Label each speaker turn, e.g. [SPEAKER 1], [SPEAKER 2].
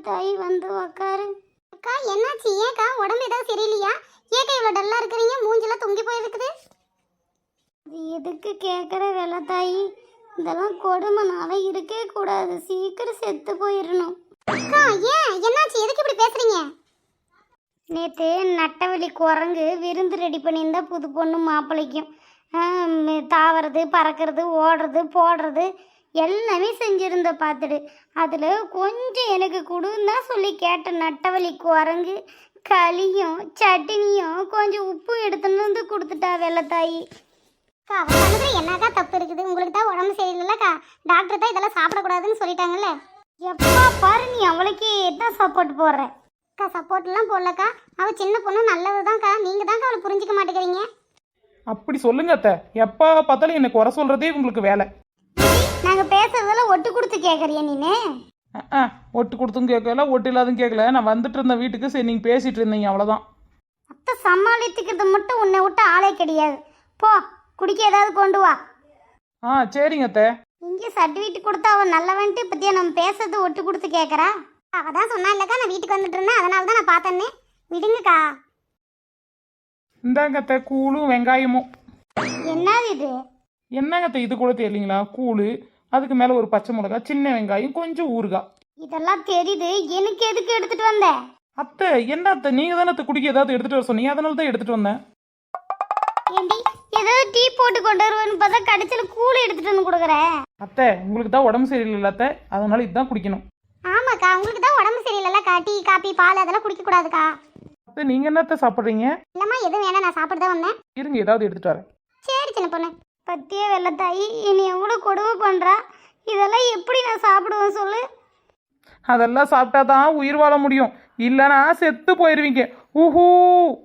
[SPEAKER 1] தாய் வந்து உக்காரு. அக்கா என்னாச்சு? ஏக்கா உடம்பு ஏதாவது சரியில்லையா? ஏக்கா இவ்வளோ டல்லா இருக்கிறீங்க? மூஞ்சில தொங்கி போயிருக்குது. இது எதுக்கு கேட்குற வெள்ள தாய்? இதெல்லாம் கொடுமைனால இருக்கவே கூடாது. சீக்கிரம் செத்து போயிடணும். அக்கா ஏன் என்னாச்சு? எதுக்கு இப்படி பேசுறீங்க? நேற்று நட்டவெளி குரங்கு விருந்து ரெடி பண்ணியிருந்தா புது பொண்ணு மாப்பிள்ளைக்கும். தாவறது பறக்கிறது ஓடுறது போடுறது எல்லாமே செஞ்சுருந்த பார்த்துடு. அதில் கொஞ்சம் எனக்கு கொடுன்னு தான் சொல்லி கேட்ட நட்டவழி குரங்கு களியும் சட்னியும் கொஞ்சம் உப்பு எடுத்துன்னு வந்து கொடுத்துட்டா வெள்ளத்தாயி. அக்கா அவன் பண்ணது என்னக்கா தப்பு இருக்குது? உங்களுக்கு தான் உடம்பு சரியில்லைல்லக்கா, டாக்டர் தான் இதெல்லாம் சாப்பிடக்கூடாதுன்னு சொல்லிட்டாங்கல்ல. எப்பா பாரு நீ அவளுக்கே தான் சப்போர்ட் போடுற. அக்கா சப்போர்ட்லாம் போடலக்கா, அவள் சின்ன பொண்ணு நல்லது தான்க்கா. நீங்கள் தான்க்கா அவளை புரிஞ்சிக்க மாட்டேங்கிறீங்க.
[SPEAKER 2] அப்படி சொல்லுங்க அத்தை. எப்போ பார்த்தாலும் எனக்கு குறை சொல்றதே உங்களுக்கு வேலை.
[SPEAKER 1] நாங்கள் பேசுறதெல்லாம் ஒட்டு கொடுத்து கேட்குறியா நீனு?
[SPEAKER 2] ஒட்டு கொடுத்தும் கேட்கல, ஒட்டு இல்லாதும் கேட்கல. நான் வந்துட்டு இருந்த வீட்டுக்கு சரி நீங்கள் பேசிட்டு இருந்தீங்க, அவ்வளோதான்.
[SPEAKER 1] அத்தை சமாளித்துக்கிறது மட்டும் உன்னை விட்டு ஆளே கிடையாது. போ குடிக்க ஏதாவது கொண்டு வா.
[SPEAKER 2] சரிங்க அத்தை.
[SPEAKER 1] இங்கே சர்டிஃபிகேட் கொடுத்தா அவன் நல்லவன்ட்டு பற்றியா நம்ம பேசுறது ஒட்டு கொடுத்து கேட்குறா? அவள் தான் சொன்னா இல்லைக்கா, நான் வீட்டுக்கு வந்துட்டு இருந்தேன், அதனால தான் நான் பார்த்தேன்னே. விடுங்கக்கா.
[SPEAKER 2] இந்தாங்க அத்தை கூழும் வெங்காயமும்.
[SPEAKER 1] என்னது இது?
[SPEAKER 2] என்னங்க அத்தை இது கூட தெரியலீங்களா? கூழு, அதுக்கு மேலே ஒரு பச்சை மிளகா, சின்ன வெங்காயம், கொஞ்சம் ஊறுகாய்.
[SPEAKER 1] இதெல்லாம் தெரியுது, எனக்கு எதுக்கு எடுத்துட்டு வந்த?
[SPEAKER 2] அத்தை என்ன அத்தை, நீங்கள் தானே அத்தை குடிக்க ஏதாவது எடுத்துகிட்டு வர சொன்னீங்க, அதனால தான் எடுத்துகிட்டு வந்தேன்.
[SPEAKER 1] ஏண்டி ஏதாவது டீ போட்டு கொண்டு வருவேன்னு பார்த்தா கடைசியில் கூழ் எடுத்துட்டு வந்து கொடுக்குறேன்.
[SPEAKER 2] அத்தை உங்களுக்கு தான் உடம்பு சரியில்லை அத்தை, அதனால இதுதான் குடிக்கணும்.
[SPEAKER 1] ஆமாக்கா உங்களுக்கு தான் உடம்பு சரியில்லைல்லக்கா, டீ காபி பால் அதெல்லாம் குடிக்கக்கூடாதுக்கா.
[SPEAKER 2] அத்தை நீங்கள் என்னத்தை சாப்பிட்றீங்க?
[SPEAKER 1] இல்லைம்மா எதுவும் வேணாம், நான் சாப்பிட்டு தான் வந்தேன்.
[SPEAKER 2] இருங்க ஏதாவது எடுத்துகிட்டு வரேன்.
[SPEAKER 1] சரி சின்ன பொண்ணு. பத்தியே வெள்ளத்தாயி என்னை எவ்வளோ கொடுமை பண்ணுறா. இதெல்லாம் எப்படி நான் சாப்பிடுவேன் சொல்லு?
[SPEAKER 2] அதெல்லாம் சாப்பிட்டா தான் உயிர் வாழ முடியும், இல்லைன்னா செத்து போயிடுவீங்க. ஊஹூ.